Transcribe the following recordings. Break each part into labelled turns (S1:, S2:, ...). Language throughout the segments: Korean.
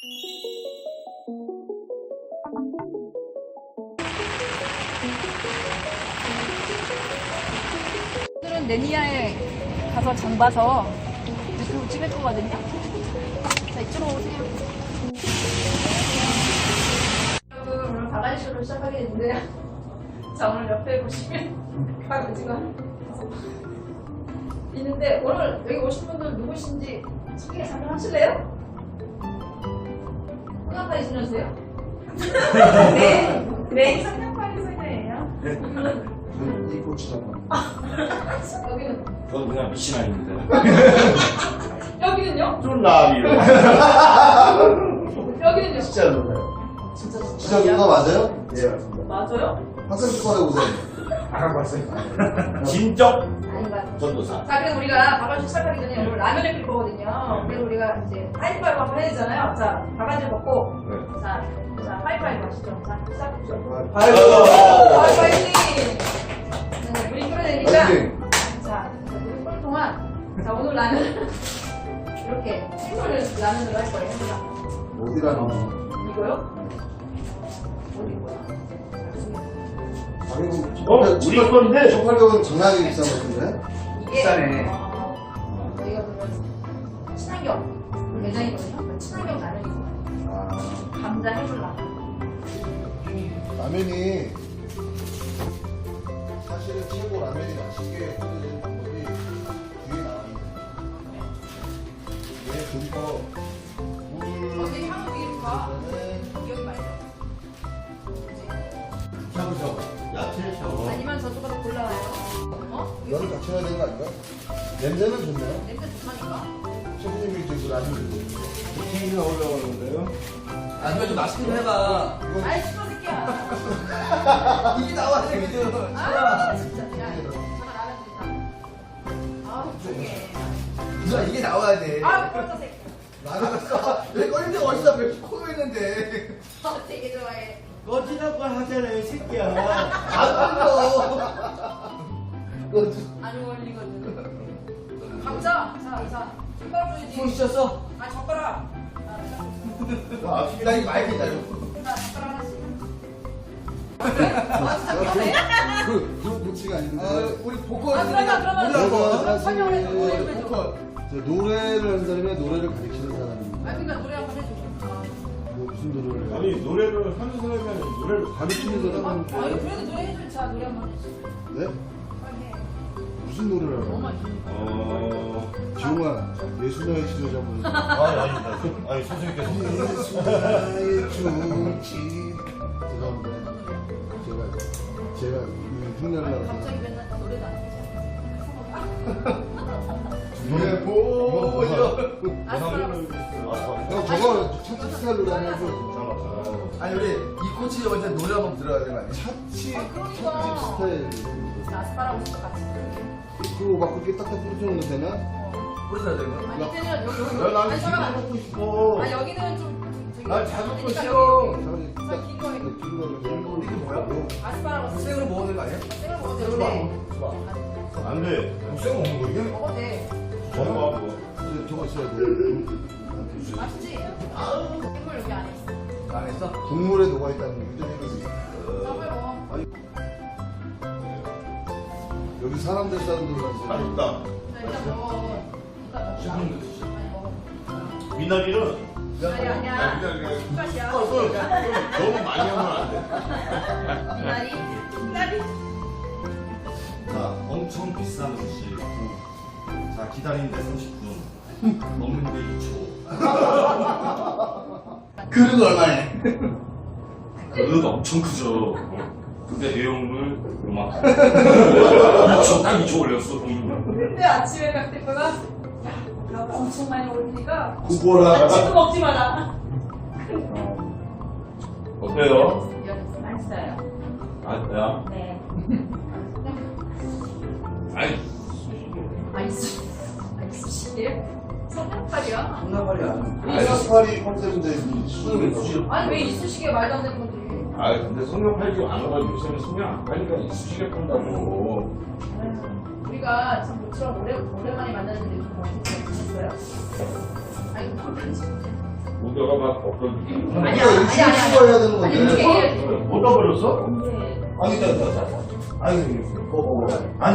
S1: 오늘은 네니아에 가서 장 봐서 유튜브 찍을 거거든요. 자, 이쪽으로 오세요. 여러분, 오늘 바가지쇼를 시작하게 됐는데요. 자, 오늘 옆에 보시면 강아지가 있는데, 오늘 여기 오신 분들 누구신지 소개 잠깐 하실래요? 성냥팔이 소녀세요? 네, 네, 성냥팔이 소녀예요.
S2: 이 고추장.
S1: 여기는
S3: 저는 그냥 미신아입니다.
S1: 여기는요?
S3: 쫄라비요.
S1: 여기는요?
S2: 진짜 누나요?
S1: 진짜
S2: 진짜 누나 맞아요?
S3: 예, 맞습니다.
S1: 맞아요?
S2: 학생 축하해 보세요.
S3: 알아봤어요. 진적
S1: 아닌 것 같아요.
S3: 전도사.
S1: 자, 그래서 우리가 바가지 시작하기 전에 오늘 라면을 끓일 거거든요. 그래서 우리가 이제 하이파이브 한번 해야 되잖아요. 자, 바가지 먹고,
S3: 네.
S1: 자, 하이파이브 하시죠. 자, 시작해보죠.
S2: 아이고.
S1: 하이파이팅! 네, 물이 끓어내니까,
S2: 파이팅.
S1: 자, 물이 끓을 동안, 자, 오늘 라면 이렇게 생선을 라면으로 할 거예요. 자,
S2: 어디라는
S1: 이거요? 어디 거야?
S3: 우리 건데.
S2: 1,800원 장난하게 비싼 것 같은데?
S1: 이게
S3: 비싸네.
S1: 저희가 보면 친환경 매장이거든요. 친환경 라면이거든요.
S2: 아,
S1: 감자 해물라.
S2: 라면이 사실은 최고 라면이 맛있게 끓여지는 방법이 뒤에 나옵니다. 얘 듬퍼 물
S1: 어디 향후 이름과
S2: 그다음에
S1: 기억이 말이죠.
S3: 샤브샤브. 야채 샤브.
S1: 아니면 저쪽으로 골라와요.
S2: 면을 같이 해야 되는 거 아닌가? 냄새는 좋네요.
S1: 냄새 좋다니까.
S2: 셰프님이 이제 그 라면 드고
S3: 튀김이 올라오는데요.
S4: 아니면 좀 맛있게 좀 해봐.
S1: 아이 시끄러 새끼야.
S4: 이게 나와야 되거든.
S1: 아 진짜. 야 잠깐 라면 드리자. 아 조용해.
S4: 누나 이게 나와야 돼.
S1: 아 꺼져 새끼.
S2: 라면
S4: 왜 꺼는데 어디서 왜 코로 했는데.
S1: 아 되게 좋아해.
S3: 꺼지라고 하잖아요, 이 새끼야.
S4: 안 꺼.
S1: 안 어울리거든. 감자. 자 젓가락 줘야지.
S4: 손 씻었어?
S1: 아 젓가락.
S4: 나 이거 많이 기다려.
S1: 자 젓가락 하나씩. 아 진짜 그러네.
S2: 그 묵치가 아닌데
S4: 우리 보컬.
S1: 아 그러면
S2: 그러면
S1: 설명을 해줘. 뭐 해줘.
S4: 보컬.
S2: 저 노래를 하는 사람이 노래를 가르치는 사람입니다.
S1: 아 그러니까 노래 한번 해줘.
S2: 뭐 무슨 노래를
S3: 아니, 노래를 하는 사람이 아니라 노래를
S2: 가르치는 사람은
S1: 아니 그래도 노래 해줘. 자 노래 한번 해줘.
S2: 네?
S1: 빨리 해.
S2: 무슨 노래를
S1: 너무
S2: 하는
S1: 많이.
S2: 지용아 예수나의 지도자분
S3: 아닙니다. 아니, 선생님께서.
S2: 예수나의 조치 죄송합니다. 제가 흉내를
S1: 갑자기 맨날 노래도 안 해.
S2: 노래
S4: 보여.
S2: 형 저거 차치 스타일로 다녀서
S4: 아니 우리 이 코치 먼저 노래 한번 들어야 되는 거 아니야?
S2: 차치
S1: 그러니까.
S2: 차치 스타일
S1: 아스파라거스 같이.
S2: 그거 막 그렇게 딱딱 뿌려주는 거 되나?
S4: 뿌리셔야 되는 거?
S1: 아니 이때는 여기.
S3: 나는
S1: 아니,
S3: 지금
S1: 잠깐만.
S3: 먹고 싶어.
S1: 아 여기는 좀 저기.
S4: 난 자주
S1: 그러니까
S4: 싫어.
S1: 여기.
S2: 딱
S1: 긴 거에.
S2: 긴 거를
S4: 이게 뭐야?
S1: 아스파라거스.
S4: 생으로 먹어야 되는 거 아니야?
S1: 생을 먹어도
S4: 생으로
S1: 되는데.
S4: 먹어. 좋아.
S3: 안 돼.
S4: 생 먹는 거 이게?
S1: 먹어도 돼.
S3: 저거 뭐.
S2: 저거 있어야 돼.
S1: 맛있지? 생물 여기 안에 있어.
S4: 안 했어?
S2: 국물에 녹아 있다는 게 유전이
S1: 자 빨리 먹어.
S2: 여기 사람들 사람들
S3: 맛있다.
S1: 자 일단 먹어. 일단 먹자. 빨리 먹어.
S3: 미나리는
S1: 아니 아니야. 숟가락이야.
S3: 너무 많이 하면 안 돼.
S1: 미나리.
S3: 자, 엄청 비싼 음식. 자, 기다리는데 30분. 먹는데 2초.
S4: 그릇 얼마네?
S3: 그릇 엄청 크죠. 근데 내용물 요만큼. 2초, 딱 2초 올렸어, 돈을.
S1: 근데 아침에 갈 때보다 야, 엄청 많이 올리니까
S2: 구보라
S1: 지금 먹지 마라.
S3: 어때요?
S1: 맛있어요.
S3: 아,
S1: 네.
S3: 아이,
S1: 수시게요? 성냥팔이야?
S4: 장난발이야.
S2: 사파리 컨셉인데 이 수능을 넣지
S1: 아니 왜 이쑤시개 말도 안 되는 건지.
S3: 아 근데 성냥 팔지 안 하고 요새는 성냥 안 팔니까 이쑤시개 판다고.
S1: 우리가 지금 모처럼 오랜만에 만났는데 좀 어떻게 지냈어요? 아이고 콘텐츠.
S3: 우겨가 막 엎어지고.
S1: 아니야,
S2: 여기 치워야 되는
S1: 아니,
S2: 건데.
S1: 이게
S3: 못 떠버렸어?
S4: 아니, 자. 아니, 아니.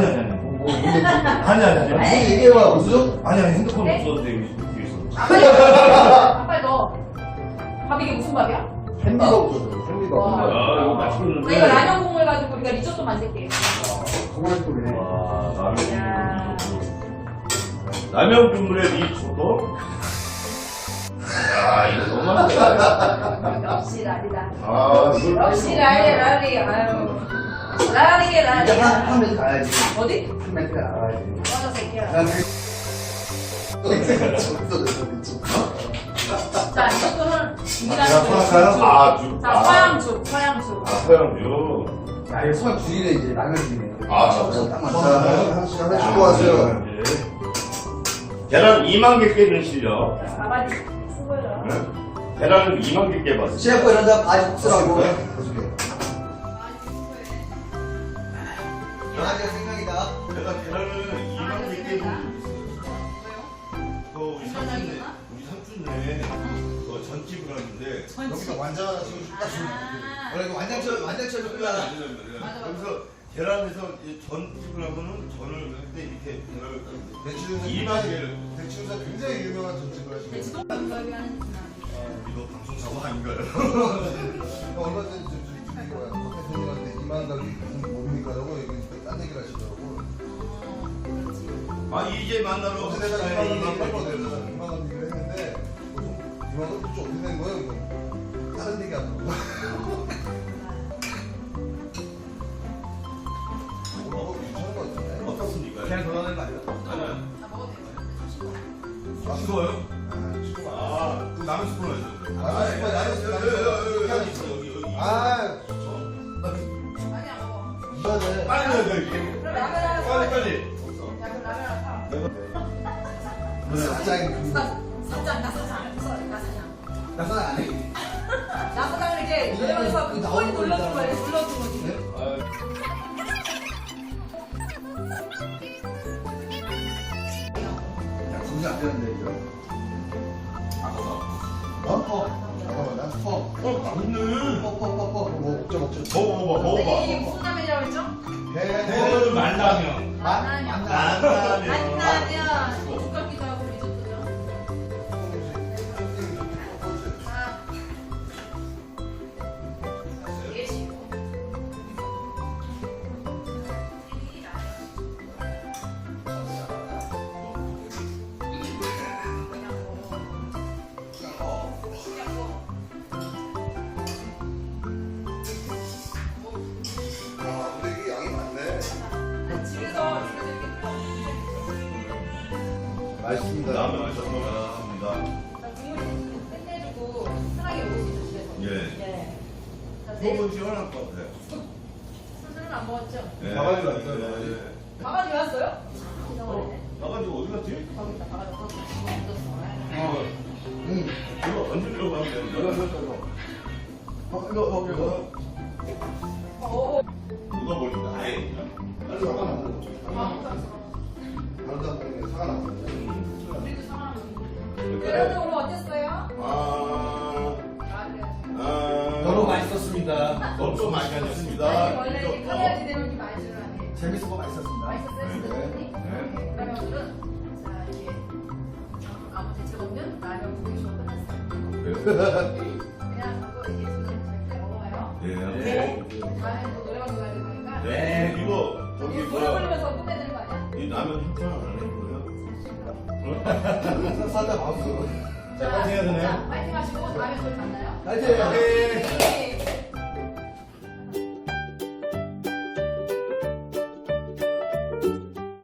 S2: 무슨 얘기해봐, 무슨?
S4: 아니, 핸드폰 없었는데 여기 있어.
S1: 아빠 너. 밥 이게 무슨 밥이야?
S2: 햄비가 없어서, 햄비가.
S1: 와.
S3: 아, 이거 맛있는데.
S1: 이거 라면 국물 가지고 우리가 리조또 만들게.
S2: 정말 또네.
S3: 와, 라면
S1: 야.
S3: 국물. 라면 국물에 리조또? 아, 이거 너무 맛있다.
S1: 역시 라리다.
S3: 아,
S1: 역시 라리. 아유. 라리.
S2: 이제 한 매트 가야지.
S1: 어디?
S2: 한 매트 가야지.
S1: 맞아 새끼야. 자, 이것도는
S4: 제가 퍼갈까요?
S3: 아, 주.
S1: 자, 서양죽.
S3: 아, 서양주.
S2: 야, 이거 수학 줄이네, 이제. 라면 줄이네.
S3: 아,
S2: 딱 맞다. 하나씩 주고 왔어요.
S3: 계란 2만 개 깨는 실력.
S1: 아바디 수고해라.
S3: 응? 계란을 2만 개 깨봤어.
S2: 셰프 이런다 바지 복수라고. 강아지가 생각이다.
S3: 내가 계란을 2만 개 깨고 그 우리 삼촌네 그 전집을 하는데
S2: 여기서 완전 지금 딱 주는 거야. 원래 이거 완장처럼 끓여라.
S3: 그래서 계란에서 이제 전집을 하면은 전을 할 때 이렇게 계란을
S2: 대추에서
S3: 2만 개를
S2: 대추에서 굉장히 유명한 전집을 하시고.
S1: 지도 여기 하는
S3: 이거 방송 사고 아닌가요?
S2: 얼마 전에 저기 뭐야 커피 손님한테 2만 가기 무슨 뭡니까 라고 여기 딴 얘기를 하시더라고.
S3: 아 이제 만나러
S2: 어제 내가 2만 원 했거든. 2만 원 얘기를 했는데 2만 원 좀 어떻게 된 거예요? 이거 다른 얘기 안 하고. 뭐라고 괜찮은 거 같은데?
S3: 어떻습니까?
S2: 그냥 돌아가는 거 아니야?
S3: 아니야.
S1: 다 먹어도 돼요.
S3: 싱거워요?
S2: 아, 싱거워.
S3: 아, 그 라면 스푼 해줘.
S2: 아, 싱거워. 나는
S3: 여기 있어, 여기.
S2: 아,
S1: 아니 안 먹어.
S2: 이거는
S3: 빨리 해야 돼, 이게.
S1: 그럼 라면 하나 사.
S3: 빨리.
S1: 야 그럼 라면 하나 사.
S2: 사장이
S1: 사장 나 사장.
S2: 나사장 안 해.
S1: 나 사장을 이제 노래방에서 그 꼬리 눌러준 거예요. 눌러준 거지.
S2: 야, 거기 안 되는데 이거. 잠깐만, 난 퍼.
S3: 맛있네.
S2: 뭐 먹자.
S3: 먹어봐.
S1: 이게 무슨 라면이라고 했죠?
S3: 그 만라면.
S1: 만라면.
S3: 만라면.
S1: 만라면. 국밥기도 하고 리조또죠. 예시고.
S2: 아, 근데 이게 양이 많네.
S1: 집에서 이렇게
S2: 맛있습니다.
S3: 라면 맛있습니다.
S1: 국물이 끝내주고 편하게 먹을 수 있죠 집에서.
S3: 예.
S1: 네. 자, 내일
S3: 너무 시원할 것 같아요.
S1: 술은 안 먹었죠?
S3: 예.
S2: 바가지 왔어요.
S1: 바가지 왔어요? 이상하네.
S3: 나가지고 어디 갔지?
S1: 거기 있다 바가지 왔어.
S3: 이거 언제 들어가면 되는
S2: 이거.
S1: 오.
S3: 누가 버린다. 아예.
S2: 빨리 사과 나고. 다른 사람들은 사과 나고.
S1: 우리도 상황. 여러분 오늘 어땠어요?
S3: 아,
S1: 그래요.
S4: 너무 맛있었습니다.
S3: 너무 많이 다녔습니다.
S1: 아니 원래 이렇게 카메라 지내면 이렇게 많이 주는 안 해.
S2: 재밌었고 맛있었습니다.
S1: 맛있었어요 진짜 선생님?
S3: 네.
S1: 그러면 오늘은 자 이게 아무 대책 없는 라면 구이쇼 끝났어요. 그냥 하고 이제 선생님 잘 먹어요.
S3: 예.
S1: 네. 다음에 또 노래방 가야 될 거니까.
S3: 네. 이거 저기
S1: 노래
S3: 뭐야?
S1: 부르면서 끝내는 거 아니야?
S3: 이 라면 협찬 안 해보고요?
S2: 살짝 마우스.
S1: 자,
S4: 해야 되나요?
S1: 자, 파이팅 하시고 다음에 또 만나요.
S2: 파이팅!
S1: 네.